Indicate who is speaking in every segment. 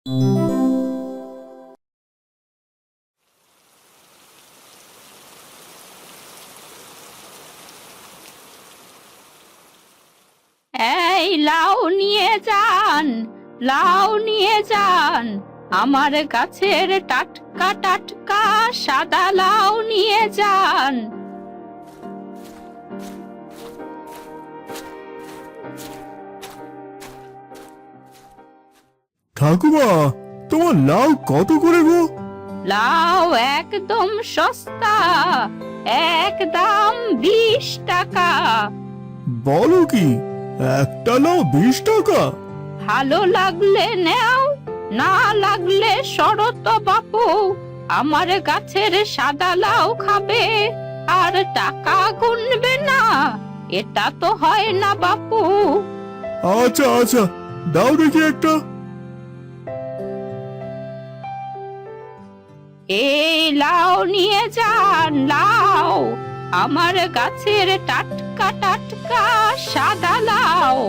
Speaker 1: এই লাউ নিয়ে যান, লাউ নিয়ে যান, আমার গাছের টাটকা টাটকা সাদা লাউ নিয়ে যান।
Speaker 2: ঠাকুমা, তোমার লাউ কত করে গো?
Speaker 1: লাউ একদম সস্তা, একদম 20 টাকা।
Speaker 2: বলো কি, একটা লাউ 20 টাকা?
Speaker 1: ভালো লাগলে নেও, না লাগলে সরো তো বাপু। আমার গাছের সাদা লাউ খাবে আর টাকা গুনবে না, এটা তো হয় না বাপু।
Speaker 2: আচ্ছা আচ্ছা, দাও দেখি একটা।
Speaker 1: এই লাউ নিয়ে যান, লাউ, আমার গাছের টাটকা টাটকা সাদা লাউ।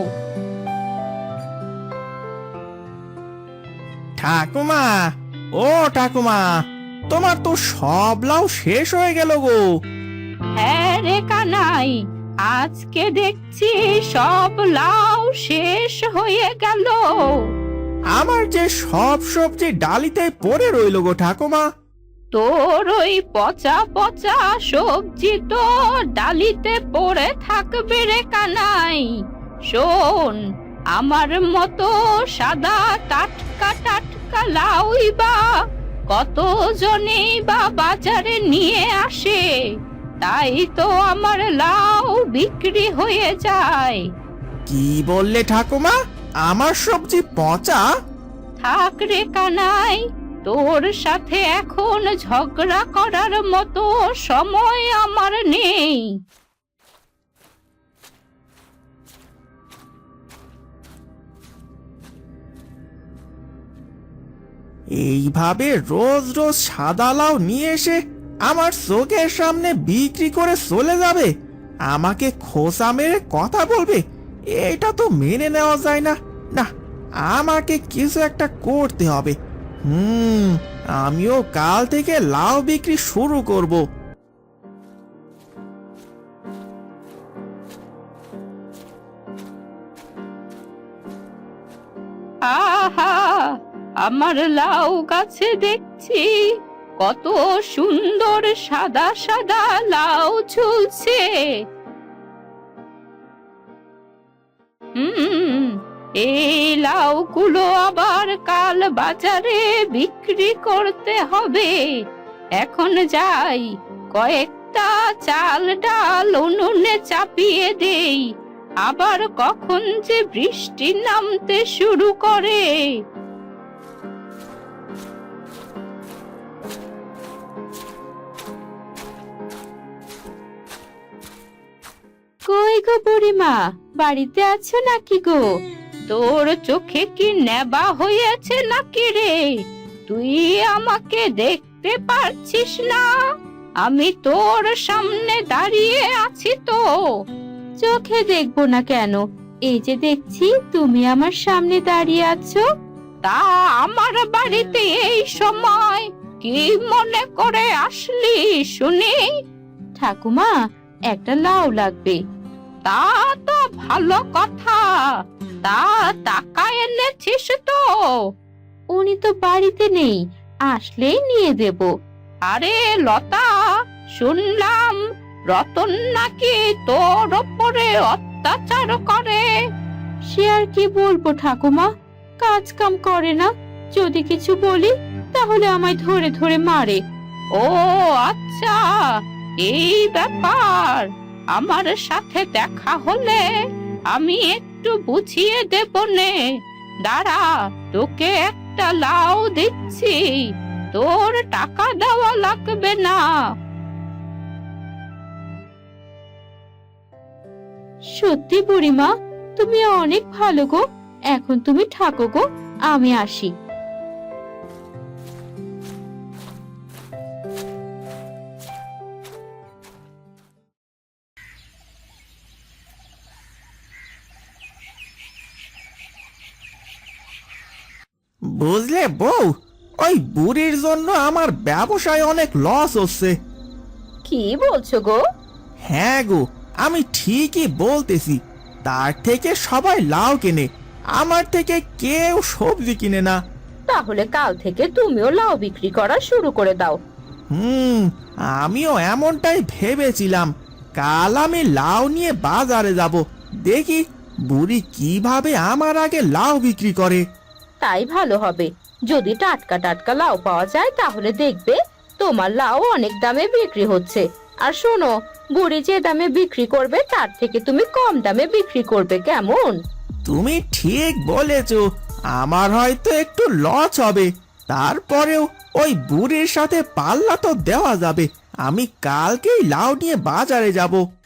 Speaker 3: ঠাকুমা, ও ঠাকুমা, তোমার তো সব লাউ শেষ হয়ে গেল গো।
Speaker 1: হ্যাঁ রে কানাই, আজকে দেখছি সব লাউ শেষ হয়ে গেল।
Speaker 3: আমার যে সব সবজি ডালিতে পড়ে রইল গো ঠাকুমা।
Speaker 1: তোর ওই পচা পচা সবজি তো ডালিতে পড়ে থাকবে রে কানাই। শোন, আমার মতো সাদা টাটকা টাটকা লাউই বা কত জনেই বা বাজারে নিয়ে আসে, তাই তো আমার লাউ বিক্রি হয়ে যায়।
Speaker 3: কি বললে ঠাকুমা, আমার সবজি পচা?
Speaker 1: থাক রে কানাই, তোর সাথে এখন ঝগড়া করার মতো সময় আমার নেই।
Speaker 3: এইভাবে রোজ রোজ সাদা লাউ নিয়ে এসে আমার চোখের সামনে বিক্রি করে চলে যাবে, আমাকে খোসা মেরে কথা বলবে, এটা তো মেনে নেওয়া যায় না। না, আমাকে কিছু একটা করতে হবে। আমিও কাল থেকে লাউ বিক্রি শুরু করব।
Speaker 1: আহা, আমার লাউ গাছে দেখছি কত সুন্দর সাদা সাদা লাউ ঝুলছে। এই লাউগুলো আবার কাল বাজারে বিক্রি করতে হবে। এখন যাই, কয়েকটা চাল ডাল উনুনে চাপিয়ে দেই, আবার কখন যে বৃষ্টি নামতে শুরু করে। কই গো বুড়িমা, বাড়িতে আছো নাকি গো? তোর চোখে কি নেবা হয়েছে নাকি রে? তুই আমাকে দেখতে পারছিস না? আমি তোর সামনে দাঁড়িয়ে আছি তো। চোখে দেখবো না কেন, এই যে দেখছি তুমি আমার সামনে দাঁড়িয়ে আছো। তা আমার বাড়িতে এই সময় কি মনে করে আসলি শুনি? ঠাকুমা, একটা লাউ লাগবে। তা তো ভালো কথা, তা টাকা এনেছিস তো? উনি তো বাড়িতে নেই, আসলেই নিয়ে দেব। আরে লতা, শুনলাম রতন নাকি তোর ওপরে অত্যাচার করে। সে আর কি বলবো ঠাকুমা, কাজ কাম করে না, যদি কিছু বলি তাহলে আমায় ধরে ধরে মারে। ও আচ্ছা, এই ব্যাপার। আমার সাথে দেখা হলে আমি একটু বুঝিয়ে দেব নে। দাঁড়া, তোকে একটা লাউ দিচ্ছি, তোর টাকা দেওয়া লাগবে না। সত্যি বুড়িমা, তুমি অনেক ভালো গো। এখন তুমি থাকো গো, আমি আসি।
Speaker 3: বুঝলে আরে বউ, ওই বুড়ির জন্য আমার ব্যবসায় অনেক লস হচ্ছে।
Speaker 1: কি বলছো গো?
Speaker 3: হ্যাঁ গো, আমি ঠিকই বলতেছি। তার থেকে সবাই লাউ কেনে, আমার থেকে কেউ সবজি কিনে না।
Speaker 1: তাহলে কাল থেকে তুমিও লাউ বিক্রি করা শুরু করে দাও।
Speaker 3: আমিও এমনটাই ভেবেছিলাম। কাল আমি লাউ নিয়ে বাজারে যাব, দেখি বুড়ি কিভাবে আমার আগে লাউ বিক্রি করে।
Speaker 1: তাই ভালো হবে। যদি টাটকা টাটকা লাউ পাওয়া যায় তাহলে দেখবে তোমার লাউ অনেক দামে বিক্রি হচ্ছে। আর শোনো, বুড়ি যে দামে বিক্রি করবে তার থেকে তুমি কম দামে বিক্রি করবে, কেমন?
Speaker 3: তুমি ঠিক বলেছ, আমার হয়তো একটু লস হবে, তারপরেও ওই বুড়ির সাথে পাল্লা তো দেওয়া যাবে। আমি কালকেই লাউ নিয়ে বাজারে যাব।